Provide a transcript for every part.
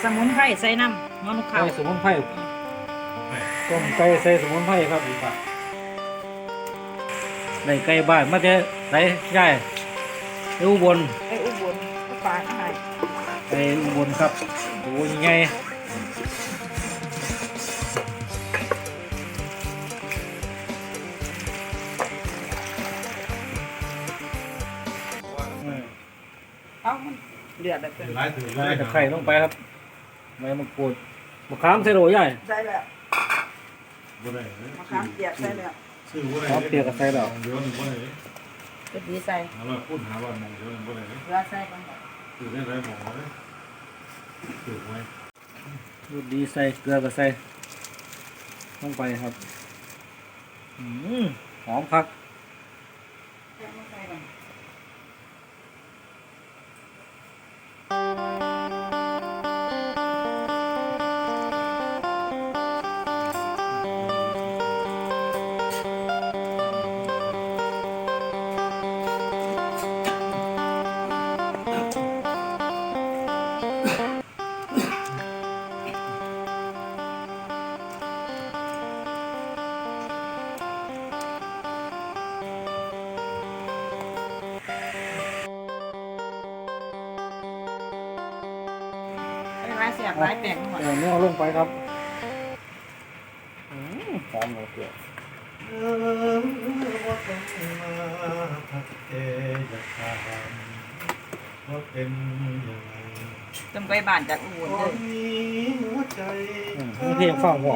สมุนไพรใส่น้ำมันข้าใส่วสมุนไพรต้มไก่ใส่สมุนไพรครับได้ไก่บ้านมาจะไหนย่ายไปอุบลไอ้อุบลก็ปลาก็ให้ไปอุบลครับโอ้ยไงเอ้ามันเดือดแบบเป็นไล่ถือไล่ใส่ตะไคร้ลงไปครับใบมะกรูดมะขามใส่โรยใหญ่ใส่แล้วบ่ได้มะขามเปียกใส่แล้วชื่อบ่ได้ขามเปียกกับใส่แล้วเดี๋ยวนึงบ่ได้ก็ดีใส่หาว่าพูดหาว่ามองเดี๋ยวนึงบ่ได้เกลือใส่ก่อนถือได้ไรหมองเลยถือไว้ดูดีใส่เกลือกับใส่ลงไปครับหอมคักใส่มาใส่ก่อนไล่เสียบไล่แป้งหมดเนื้อลงไปครับหอมเลยเกลือว่าเป็นยังไงจำไปบ้านจากอุบลเลยเพลงฟังหอม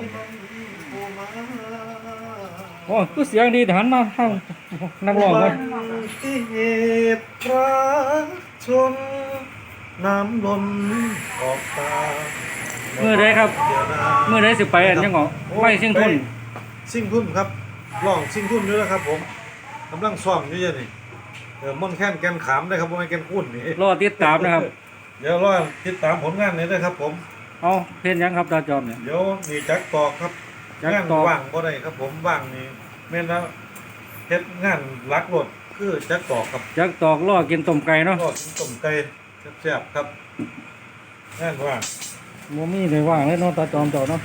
โอ้ก็เสียงดีแต่หันมาทางนักร้องเลยที่เหตุรักชนน้ำล้นออกตาเมื่อไรครับเมื่อไรสิไปอันยังเหรอไปเชียงทุนซิ่งทุ่นครับร้องซิ่งทุ่นด้วยนะครับผมกำลังซ้อมอยู่นี่ม่อนแค้นแกนขามได้ครับว่าไม่แกนคุ้นนี่รอติดตามนะครับเดี๋ยวรอติดตามผลงานนี้นะครับผมเอาเพลงยังครับตาจอมเนี่ยเดี๋ยวมีจักตอกครับจักงานตอกว่างบ่ได้ครับผมว่างนี่แม่นแล้วเฮ็ดงานรักรถคือจักตอกครับจักตอกล่อกินต้มไก่เนาะทอดต้มไก่แซ่บๆครับงานว่างมัมีเลยว่างเลยเนาะตาจอมเจ้าเนาะ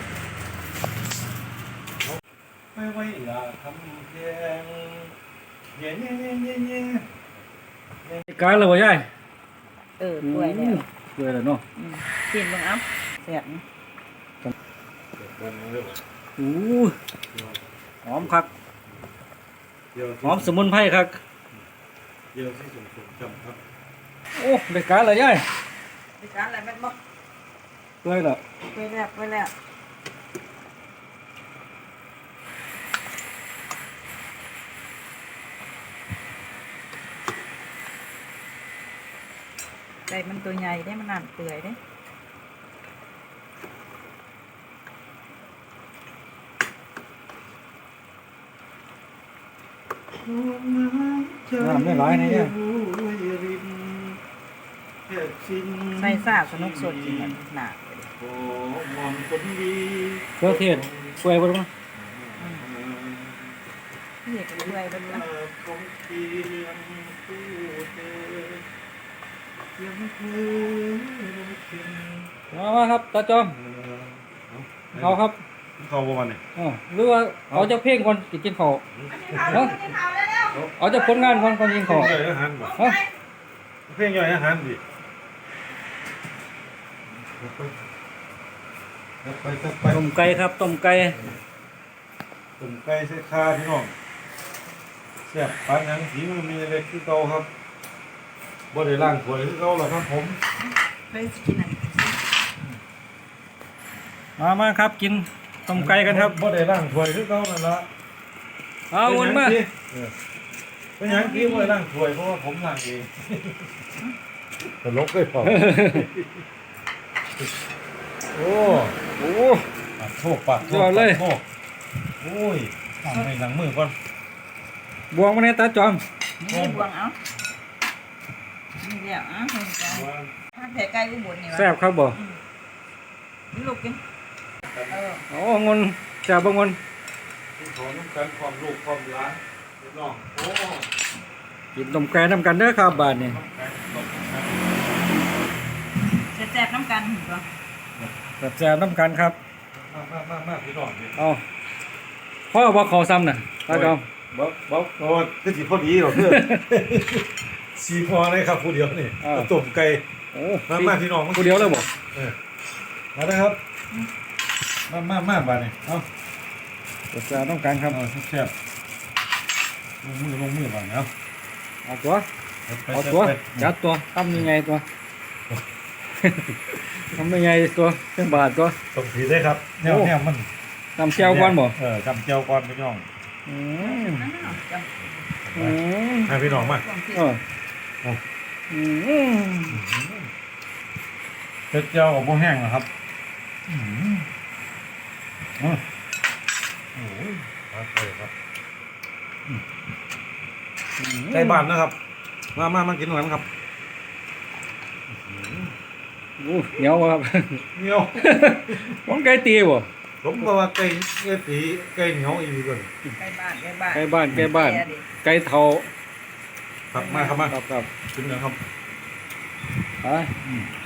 ไม่ไหวละทำเพียงเย่เย่เย่เย่เย่การเลยบ่ยายเปื่อยแล้วเปื่อยแล้วเนาะกินบ้างเอ้าเสียบโอ้หอมคักเดี๋ยวหอมสมุนไพรคักเดี๋ยวที่สูงจำครับโอ้ได้การเลยยายดิฉันอะไรแม่นบ่เปื่อยแล้วไปแล้วไปแล้วไก่มันตัวใหญ่ได้มันนานเปื่อยได้น้ำไม่ร้ายนะเนี่ยใส่ซ่าสนุกสดจริงมันหนาโอ้มอนคนดีเครื่องเทศเปื่อยบ่รู้พี่เอกเปื่อยเป็นละของเทียมผู้เธอยังเธอมาครับตาจอมเอาครับเข้าประมาณนี้หรือว่าเอาจะเพลงก่อนกินข้าวเนาะเอาจะผลงานก่อนกินเพลข้าวงย่อยอาหารบ่ฮะเพลงย่อยอาหารดิไปต้มไก่ครับต้มไก่ตุ่มไก่ใส่ข้าพี่น้องแซ่บปานหยังสีมันมีอะไรคือเก่าครับบ่ได้ล้างถ้วยคือเก่าหรอกครับผมไปกินอะไรมาครับกินต้มไก่กันครับบ่ได้ล้างถ้วยคือเก่านั่นล่ะเอาวนมาเป็นหยังกี้บ่ได้ล้างถ้วยเพราะว่าผมล้างเองตลกเลยพอโอ้โอ้ปากโทษปากโทษยอดเลยปากโทษโอ้ยทำให้หนังมือก่อนบวงมาในตาจอมนี่บวงเอานี่เดี๋ยวเห็นใจถ้าแต่ไก่อุบลนี่วะแซ่บครับบ่ลูกกินโอ้งนแซ่บบ่งนขอน้ำกันความลูกความร้านพี่น้องโอ้กินต้มไก่นำกันเด้อครับบาดนี้แซ่บน้ำกันก็แซ่บๆน้ำกันครับมาพี่น้องนี่เอาพ่อบอกเขาซ้ำน่ะตาจอมบ่โอ้ก็สิพอดีหรอกเด้อ สีพอเลยครับผู้เดียวนี่ต้มไก่โอ้มาพี่น้องผู้เดียวเลยบอกมาเลยครับมาบาดนี่เอาแซ่บๆน้ำกันครับเอาแซ่บลงมือบาดเนาะเอาตัวจัดตัวทำยังไงตัวทำยังไงตัวเครื่องบาทตัวต้องสีได้ครับแนวมันทำแก้วก่อนบ่จำเจียวก่อนพี่น้องอืมนั่นเนาะจังอืมให้พี่น้องมาความคิดเอออืมเผ็ดเจียวกับบ่แห้งนะครับโอ้ยมาเลยครับไก่บ้านนะครับมากินหน่อยครับโอ้เหนียวครับเหนียวผมไก่ตีบ่ผมก็ว่าไก่ตีไก่เหนียวอีกก่อนใกล้บ้านไก่บ้านไก่เทาครับมาครับกินนะครับไป